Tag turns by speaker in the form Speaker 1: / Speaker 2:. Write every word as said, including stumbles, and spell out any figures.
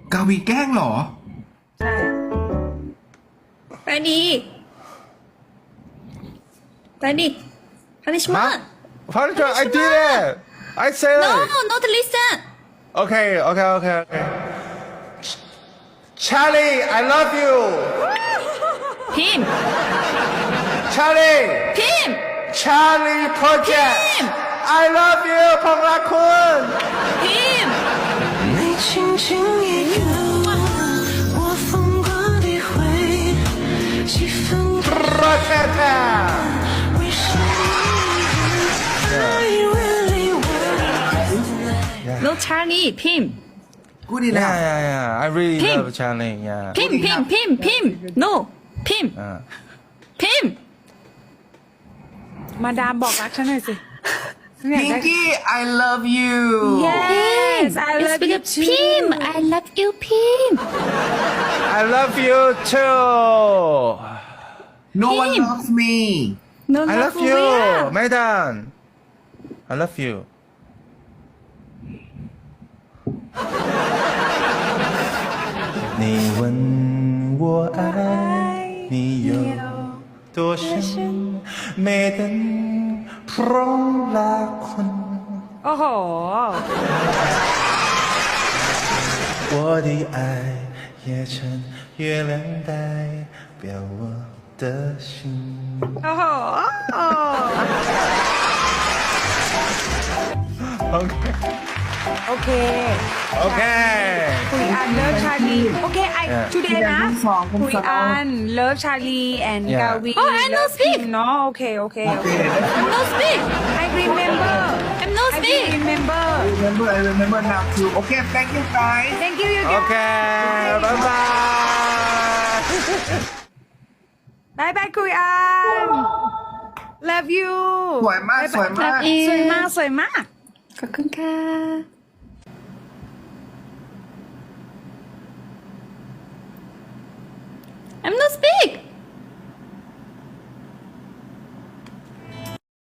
Speaker 1: กาวีแกล้งเหรอ
Speaker 2: ใช่
Speaker 3: Ready Ready punishment
Speaker 4: Punishment, I did it. I said
Speaker 3: No
Speaker 4: it.
Speaker 3: not listen
Speaker 4: Okay, okay, okay, okay. Charlie, I love you.
Speaker 3: Pim
Speaker 4: Charlie,
Speaker 3: Pim
Speaker 4: Charlie Project.
Speaker 3: Pim
Speaker 4: I love you, ผมรักคุณ
Speaker 3: Pim
Speaker 5: 你轻轻一个吻，我疯狂地回忆，气氛
Speaker 4: รักแท้
Speaker 5: 为什么 I really want
Speaker 3: No Charlie Pim
Speaker 1: กูดี
Speaker 4: ๆ
Speaker 1: นะ
Speaker 4: Yeah, yeah, yeah. I really
Speaker 3: Pim.
Speaker 4: love Charlie. Yeah.
Speaker 3: Pim Pim Pim Pim No Pim
Speaker 4: Uh,
Speaker 3: Pim
Speaker 2: มาดามบอกรักฉันหน่อยสิฉันอยาก
Speaker 1: พิง
Speaker 2: ได้
Speaker 1: กี้ I love you
Speaker 2: Yes I
Speaker 3: It's
Speaker 2: love you
Speaker 3: because
Speaker 2: too
Speaker 3: Pim I love you Pim
Speaker 4: I love you too.
Speaker 1: No one loves me
Speaker 3: No
Speaker 4: I love
Speaker 3: for
Speaker 4: you,
Speaker 3: real.
Speaker 4: Medan. I love you. 你问我爱你有多深，ไม่ดันพร้อมละคน
Speaker 2: โอ้โห
Speaker 4: 我的爱也趁月亮代表我的心。
Speaker 2: โอ้โห
Speaker 4: Okay.
Speaker 2: โอเค
Speaker 4: Okay.
Speaker 2: คุยอันเลิฟชาลีโอเคไอ
Speaker 4: Yeah.
Speaker 2: today นะ
Speaker 1: คุณสองคุณ
Speaker 2: คุย
Speaker 1: สอง
Speaker 2: อันเลิฟชาลีแอน
Speaker 4: Yeah.
Speaker 2: กาวี
Speaker 3: Oh, I know speak.
Speaker 2: เนาะโอเคโอเค
Speaker 1: โอ
Speaker 2: โอ
Speaker 1: เค
Speaker 2: เค
Speaker 3: I'm no speak
Speaker 2: I remember
Speaker 3: I'm no
Speaker 2: I
Speaker 3: speak
Speaker 2: remember
Speaker 1: remember I remember now too Okay thank you guys
Speaker 2: thank you you guys
Speaker 4: Okay. Bye bye.
Speaker 2: บายบายคุยอัน love you
Speaker 1: สวยมากสวยมาก
Speaker 3: Love you
Speaker 2: สวยมากสวยมาก
Speaker 3: ขอบคุณค่ะ I'm no speak